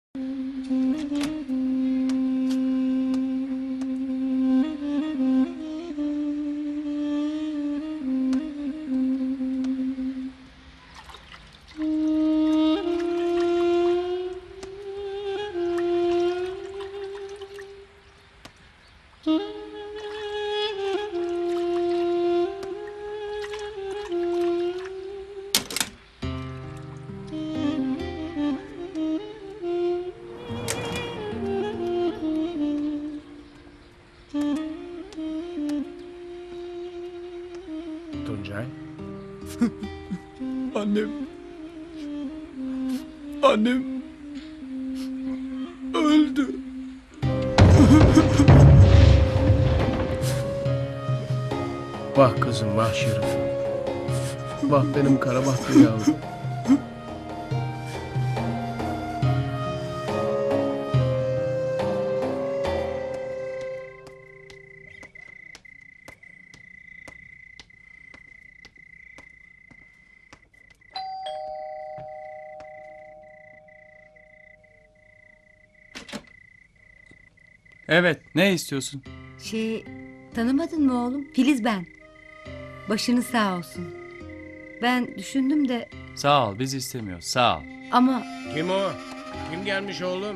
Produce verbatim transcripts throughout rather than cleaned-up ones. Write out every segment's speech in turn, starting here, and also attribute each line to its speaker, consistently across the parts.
Speaker 1: Tuncay.
Speaker 2: Annem. Annem öldü.
Speaker 1: Vah kızım, vah Şerif'im. Vah benim kara bahtlı yavrum.
Speaker 2: Evet, ne istiyorsun?
Speaker 3: Şey, tanımadın mı oğlum? Filiz ben. Başınız sağ olsun. Ben düşündüm de
Speaker 2: Sağ ol, biz istemiyoruz. Sağ ol.
Speaker 3: ama
Speaker 1: Kim o? Kim gelmiş oğlum?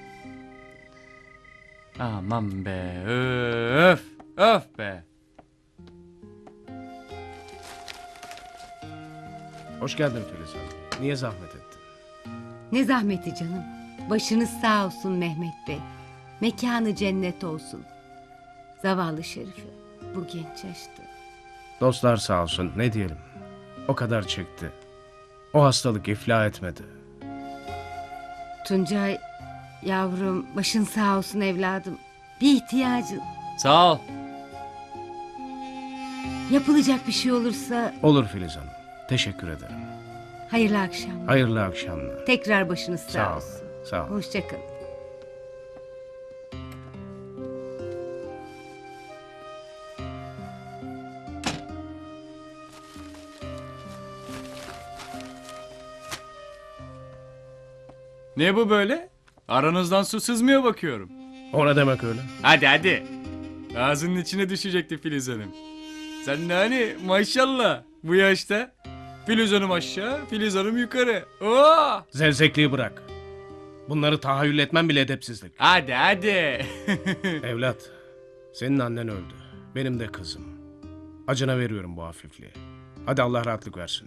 Speaker 2: Aman be, öf, öf be.
Speaker 1: Hoş geldin Filiz Hanım. Niye zahmet ettin?
Speaker 3: ne zahmeti canım. Başınız sağ olsun Mehmet Bey. Mekanı cennet olsun. Zavallı Şerife bu genç yaşta.
Speaker 1: Dostlar sağ olsun, ne diyelim. O kadar çekti. O hastalık iflah etmedi.
Speaker 3: Tuncay yavrum, başın sağ olsun evladım. Bir ihtiyacın,
Speaker 2: Sağ ol.
Speaker 3: yapılacak bir şey olursa
Speaker 1: Olur Filiz Hanım. Teşekkür ederim.
Speaker 3: hayırlı akşamlar.
Speaker 1: Hayırlı akşamlar.
Speaker 3: Tekrar başınız sağ,
Speaker 1: Sağ ol.
Speaker 3: olsun.
Speaker 1: Sağ ol.
Speaker 3: Hoşça kalın.
Speaker 2: Ne bu böyle? Aranızdan su sızmıyor bakıyorum.
Speaker 1: O ne demek öyle?
Speaker 2: Hadi hadi. Ağzının içine düşecekti Filiz Hanım. Sen de hani maşallah bu yaşta. Filiz Hanım aşağı, Filiz Hanım yukarı. Oo!
Speaker 1: Zevzekliği bırak. Bunları tahayyül etmem bile edepsizlik.
Speaker 2: Hadi hadi.
Speaker 1: Evlat, senin annen öldü. Benim de kızım. Acına veriyorum bu hafifliği. Hadi Allah rahatlık versin.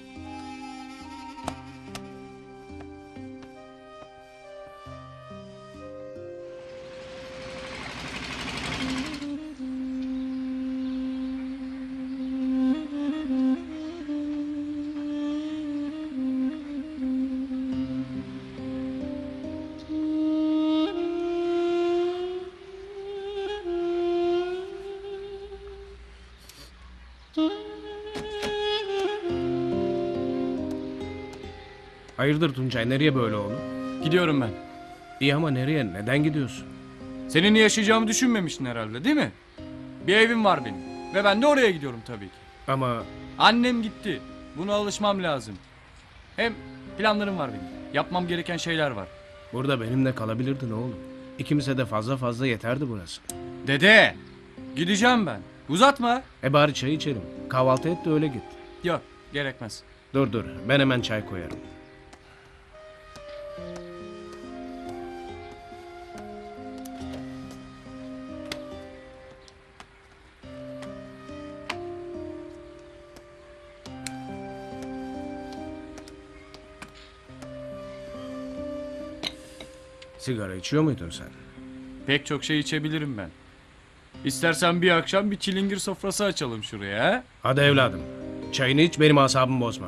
Speaker 1: Hayırdır Tuncay, nereye böyle oğlum?
Speaker 2: Gidiyorum ben.
Speaker 1: İyi ama nereye, neden gidiyorsun?
Speaker 2: Seninle yaşayacağımı düşünmemiştin herhalde değil mi? Bir evim var benim. Ve ben de oraya gidiyorum tabii ki.
Speaker 1: Ama
Speaker 2: Annem gitti. Buna alışmam lazım. Hem planlarım var benim. Yapmam gereken şeyler var.
Speaker 1: burada benimle kalabilirdin oğlum. İkimize de fazla fazla yeterdi burası.
Speaker 2: Dede! Gideceğim ben. Uzatma.
Speaker 1: E bari çay içelim. Kahvaltı et de öyle git.
Speaker 2: Yok, gerekmez.
Speaker 1: Dur dur, ben hemen çay koyarım. Sigara içiyor muydun sen?
Speaker 2: Pek çok şey içebilirim ben. İstersen bir akşam bir çilingir sofrası açalım şuraya. Ha?
Speaker 1: Hadi evladım. Çayını iç, benim asabımı bozma.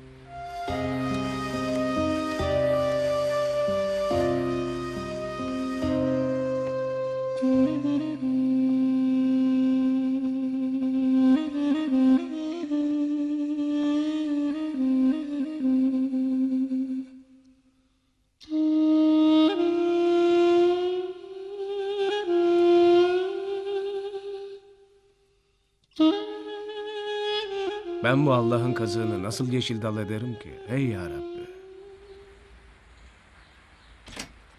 Speaker 1: Ben bu Allah'ın kazığını nasıl yeşil dal ederim ki? Ey ya Rabbi.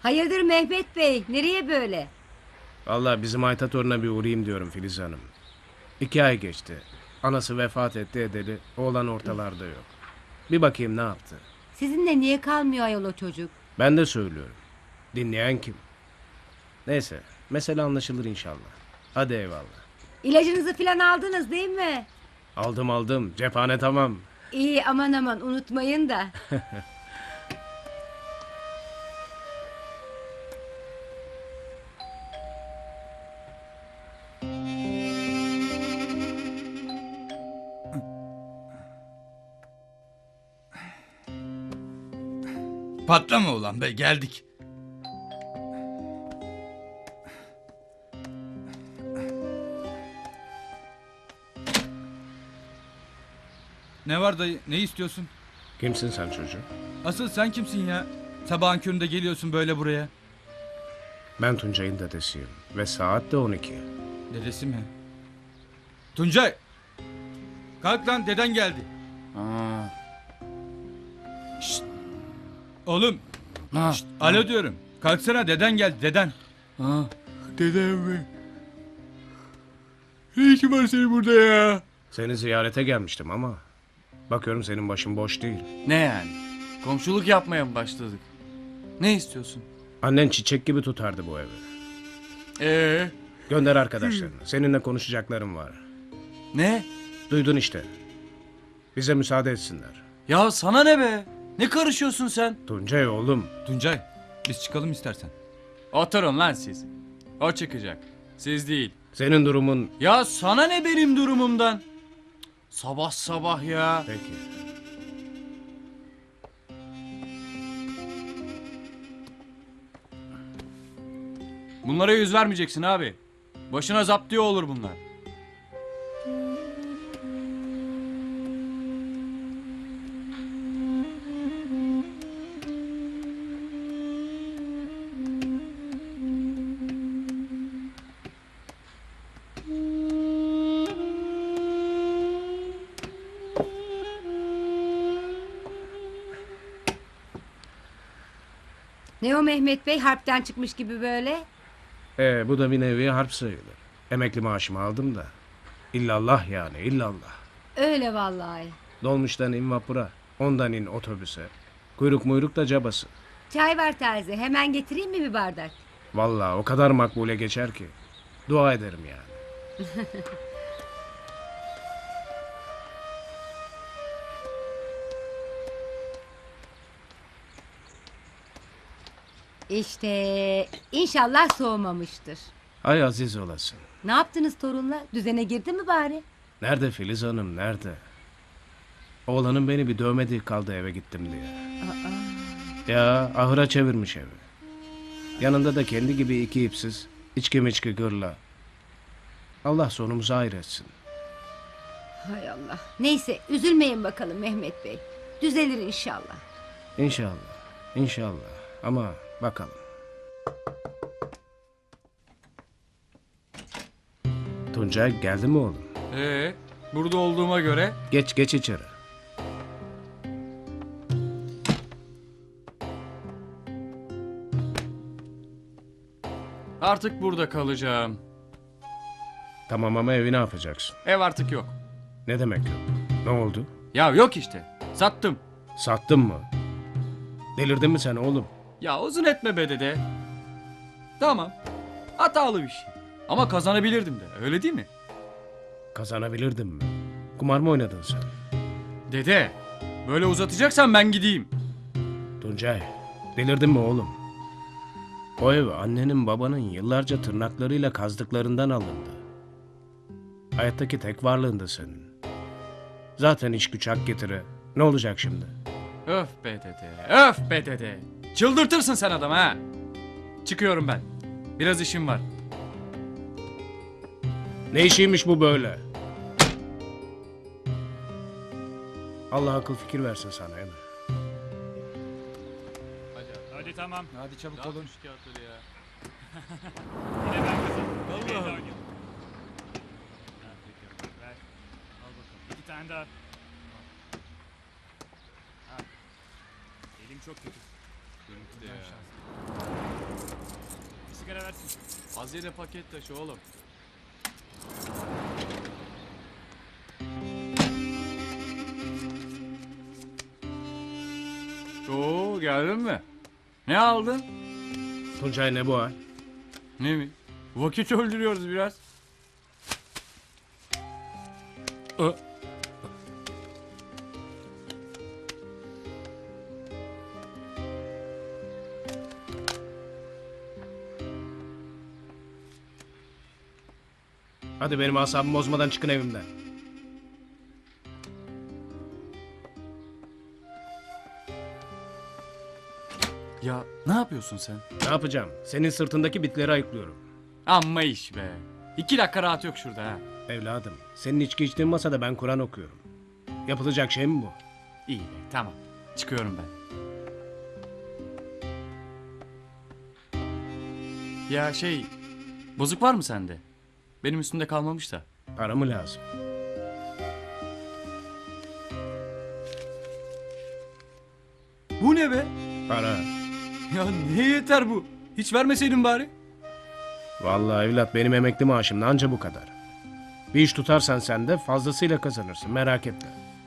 Speaker 3: Hayırdır Mehmet Bey? Nereye böyle?
Speaker 1: Vallahi bizim Ayta toruna bir uğrayayım diyorum Filiz Hanım. İki ay geçti. Anası vefat etti edeli. Oğlan ortalarda yok. Bir bakayım ne yaptı.
Speaker 3: Sizinle niye kalmıyor ayol o çocuk?
Speaker 1: Ben de söylüyorum. Dinleyen kim? Neyse. Mesele anlaşılır inşallah. Hadi eyvallah.
Speaker 3: İlacınızı falan aldınız değil mi?
Speaker 1: Aldım aldım. Cephane tamam.
Speaker 3: İyi aman aman unutmayın da.
Speaker 4: Patlama ulan be, geldik. Ne var dayı, ne istiyorsun?
Speaker 1: Kimsin sen çocuğum?
Speaker 4: Asıl sen kimsin ya? Sabahın köründe geliyorsun böyle buraya.
Speaker 1: Ben Tuncay'ın dedesiyim. Ve saat de on iki.
Speaker 4: Dedesi mi? Tuncay! Kalk lan, deden geldi.
Speaker 2: Aa.
Speaker 4: Oğlum,
Speaker 2: Ha.
Speaker 4: şşt, alo diyorum. Kalksana, deden geldi, deden.
Speaker 2: Ha. Dedem mi? Ne işin var senin burada ya?
Speaker 1: Seni ziyarete gelmiştim ama... Bakıyorum senin başın boş değil.
Speaker 2: Ne yani? Komşuluk yapmaya mı başladık? Ne istiyorsun?
Speaker 1: Annen çiçek gibi tutardı bu evi.
Speaker 2: Ee,
Speaker 1: Gönder arkadaşlarını. Seninle konuşacaklarım var.
Speaker 2: ne?
Speaker 1: Duydun işte. Bize müsaade etsinler.
Speaker 2: Ya sana ne be? Ne karışıyorsun sen?
Speaker 1: Tuncay oğlum.
Speaker 4: Tuncay, biz çıkalım istersen.
Speaker 2: Oturun lan siz. O çıkacak. Siz değil.
Speaker 1: Senin durumun...
Speaker 2: Ya sana ne benim durumumdan? Cık, sabah sabah ya.
Speaker 1: Peki.
Speaker 2: Bunlara yüz vermeyeceksin abi. Başına zaptiye olur bunlar.
Speaker 3: Ne o Mehmet Bey harpten çıkmış gibi böyle?
Speaker 1: Ee, bu da bir nevi harp sayılır. Emekli maaşımı aldım da. İllallah yani illallah.
Speaker 3: Öyle vallahi.
Speaker 1: Dolmuştan in vapura. Ondan in otobüse. Kuyruk muyruk da cabası.
Speaker 3: Çay var terzi. Hemen getireyim mi bir bardak?
Speaker 1: Vallahi o kadar makbule geçer ki. Dua ederim yani.
Speaker 3: İşte inşallah soğumamıştır.
Speaker 1: Ay aziz olasın.
Speaker 3: Ne yaptınız torunla? Düzene girdi mi bari?
Speaker 1: Nerede Filiz Hanım nerede? Oğlanın beni bir dövmediği kaldı eve gittim diye. Ya ahıra çevirmiş evi. Yanında da kendi gibi iki ipsiz, içki miçki gırla. Allah sonumuzu hayır etsin.
Speaker 3: Hay Allah. Neyse üzülmeyin bakalım Mehmet Bey. Düzelir inşallah.
Speaker 1: İnşallah, inşallah. Ama bakalım. Tuncay geldi mi oğlum?
Speaker 2: Ee, burada olduğuma göre
Speaker 1: Geç geç içeri.
Speaker 2: artık burada kalacağım.
Speaker 1: Tamam ama evi ne yapacaksın?
Speaker 2: Ev artık yok.
Speaker 1: Ne demek yok? Ne oldu?
Speaker 2: Ya yok işte. Sattım.
Speaker 1: Sattın mı? Delirdin mi sen oğlum?
Speaker 2: Ya uzun etme be dede. Tamam. Hatalı bir şey. Ama kazanabilirdim de. Öyle değil mi?
Speaker 1: Kazanabilirdin mi? Kumar mı oynadın sen?
Speaker 2: Dede. Böyle uzatacaksan ben gideyim.
Speaker 1: Tuncay, delirdin mi oğlum? O ev annenin babanın yıllarca tırnaklarıyla kazdıklarından alındı. Hayattaki tek varlığında senin. Zaten iş güç hak getire. Ne olacak şimdi?
Speaker 2: Öf be dede. Öf be dede. Çıldırtırsın sen adam ha. Çıkıyorum ben. Biraz işim var.
Speaker 1: Ne işiymiş bu böyle? Allah akıl fikir versin sana Emre.
Speaker 5: Hadi tamam.
Speaker 4: Hadi çabuk olun.
Speaker 5: Yine ben kazandım. Allah Allah. Ver. Al bakalım. İki tane daha. Al. Elim çok kötü. Görüntü de ya. Bir sigara versin.
Speaker 2: Az yere paket taşı oğlum. Oo, geldin mi? Ne aldın?
Speaker 1: Tuncay ne bu hal?
Speaker 2: Ne mi? Vakit öldürüyoruz biraz. Ö.
Speaker 1: Hadi benim asabımı bozmadan çıkın evimden.
Speaker 2: Ya ne yapıyorsun sen?
Speaker 1: Ne yapacağım? Senin sırtındaki bitleri ayıklıyorum.
Speaker 2: Amma iş be. İki dakika rahat yok şurada ha.
Speaker 1: Evladım, senin içki içtiğin masada ben Kur'an okuyorum. Yapılacak şey mi bu?
Speaker 2: İyi be, tamam. Çıkıyorum ben. Ya şey, bozuk var mı sende? Benim üstümde kalmamış da.
Speaker 1: Para mı lazım?
Speaker 2: Bu ne be?
Speaker 1: Para.
Speaker 2: Ya ne yeter bu? Hiç vermeseydin bari.
Speaker 1: Vallahi evlat benim emekli maaşım anca bu kadar. Bir iş tutarsan sen de fazlasıyla kazanırsın, merak etme.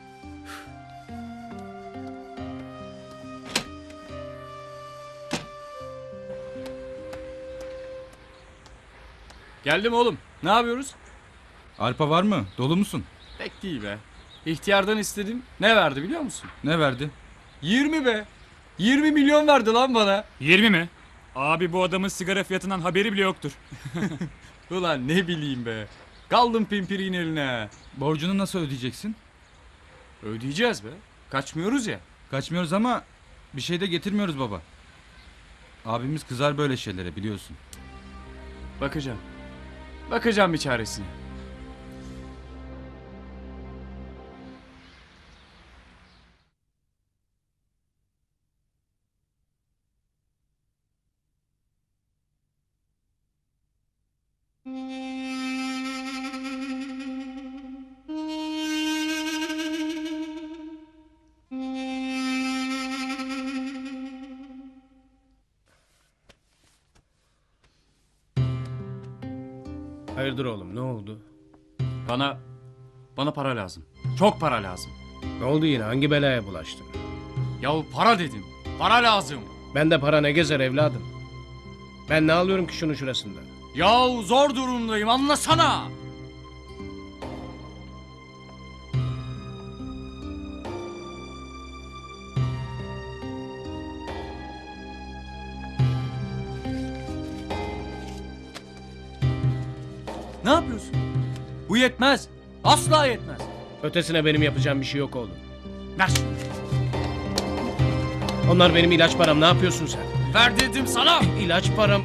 Speaker 2: Geldim oğlum. Ne yapıyoruz?
Speaker 4: Arpa var mı? Dolu musun?
Speaker 2: Pek değil be. İhtiyardan istedim. Ne verdi biliyor musun?
Speaker 4: Ne verdi?
Speaker 2: yirmi be. yirmi milyon verdi lan bana.
Speaker 5: yirmi mi? Abi bu adamın sigara fiyatından haberi bile yoktur.
Speaker 2: Ulan ne bileyim be. Kaldım pimpiriğin eline.
Speaker 4: Borcunu nasıl ödeyeceksin?
Speaker 2: Ödeyeceğiz be. Kaçmıyoruz ya.
Speaker 4: Kaçmıyoruz ama bir şey de getirmiyoruz baba. Abimiz kızar böyle şeylere biliyorsun.
Speaker 2: Bakacağım. Bakacağım bir çaresine.
Speaker 1: Hayırdır oğlum, ne oldu?
Speaker 2: Bana, bana para lazım. Çok para lazım.
Speaker 1: Ne oldu yine, hangi belaya bulaştın?
Speaker 2: Yahu para dedim. Para lazım.
Speaker 1: Ben de para ne gezer evladım? Ben ne alıyorum ki şunun şurasında?
Speaker 2: Yahu zor durumdayım anlasana. Ne yapıyorsun? Bu yetmez. Asla yetmez.
Speaker 1: Ötesine benim yapacağım bir şey yok oğlum.
Speaker 2: Ver şunu.
Speaker 1: Onlar benim ilaç param, ne yapıyorsun sen?
Speaker 2: Ver dedim sana.
Speaker 1: İlaç param...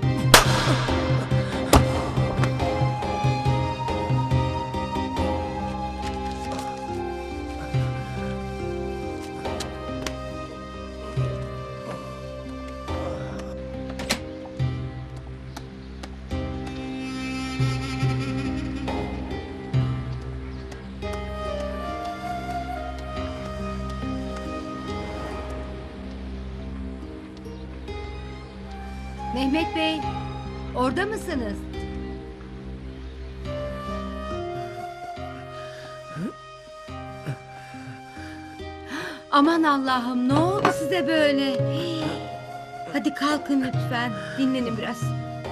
Speaker 3: Mehmet Bey, orada mısınız? Aman Allah'ım, ne oldu size böyle? Hadi kalkın lütfen, dinlenin biraz.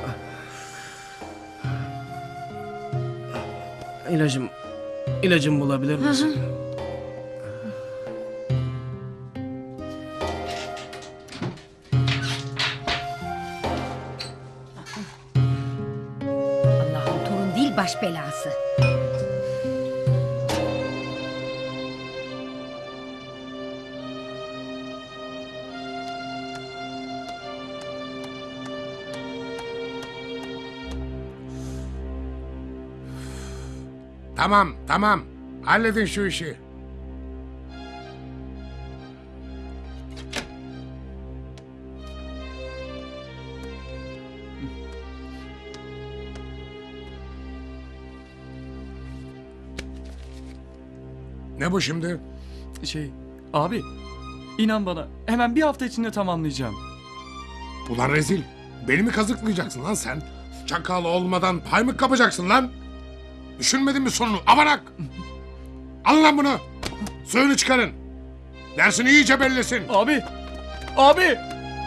Speaker 1: İlacım... İlacım bulabilir misin?
Speaker 3: Allah'ım, torun değil baş belası.
Speaker 6: Tamam, tamam. Halledin şu işi. Ne bu şimdi?
Speaker 2: Şey, abi inan bana hemen bir hafta içinde tamamlayacağım.
Speaker 6: Ulan rezil. Beni mi kazıklayacaksın lan sen? Çakal olmadan pay mı kapacaksın lan? Düşünmedin mi sonunu? Avanak! Alın lan bunu! Suyunu çıkarın! Dersini iyice bellesin!
Speaker 2: Abi! Abi!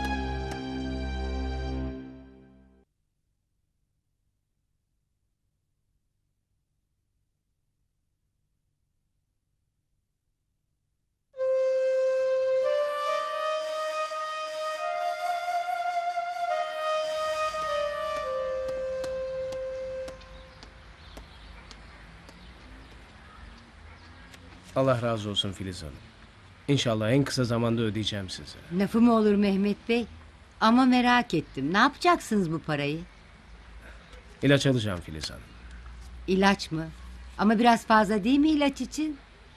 Speaker 1: Allah razı olsun Filiz Hanım. İnşallah en kısa zamanda ödeyeceğim size.
Speaker 3: Lafı mı olur Mehmet Bey? Ama merak ettim. Ne yapacaksınız bu parayı?
Speaker 1: İlaç alacağım Filiz Hanım.
Speaker 3: İlaç mı? Ama biraz fazla değil mi ilaç için?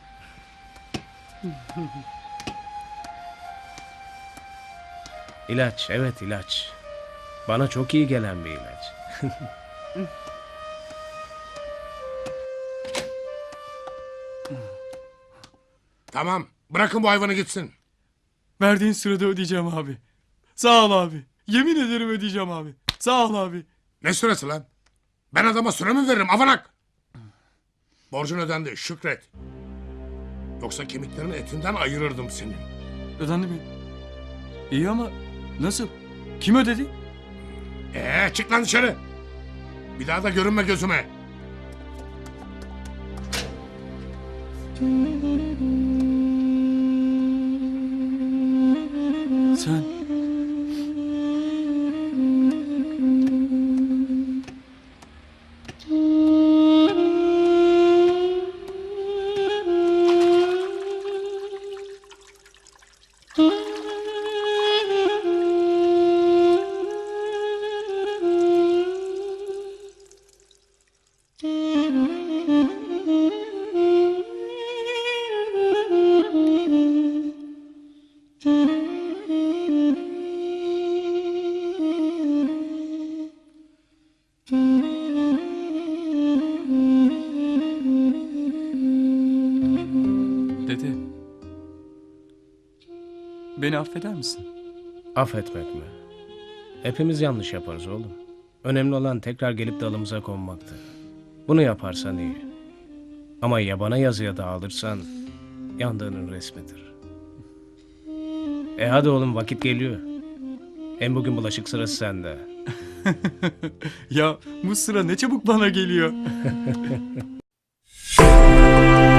Speaker 1: İlaç, evet ilaç. Bana çok iyi gelen bir ilaç.
Speaker 6: Tamam, bırakın bu hayvanı gitsin.
Speaker 2: Verdiğin sırada ödeyeceğim abi. Sağ ol abi. Yemin ederim ödeyeceğim abi. Sağ ol abi.
Speaker 6: Ne süresi lan? Ben adama süre mi veririm avanak? Borcun ödendi, şükret. Yoksa kemiklerin etinden ayırırdım senin.
Speaker 2: Ödendi mi? İyi ama nasıl? Kim ödedi?
Speaker 6: Ee, çık lan dışarı. Bir daha da görünme gözüme.
Speaker 2: Sen. Dede. Beni affeder misin?
Speaker 1: Affetmek mi? Hepimiz yanlış yaparız oğlum. Önemli olan tekrar gelip dalımıza konmaktı. Bunu yaparsan iyi. Ama yabana yazıya dağılırsan yandığının resmidir. E hadi oğlum vakit geliyor. Hem bugün bulaşık sırası sende.
Speaker 2: Ya bu sıra ne çabuk bana geliyor.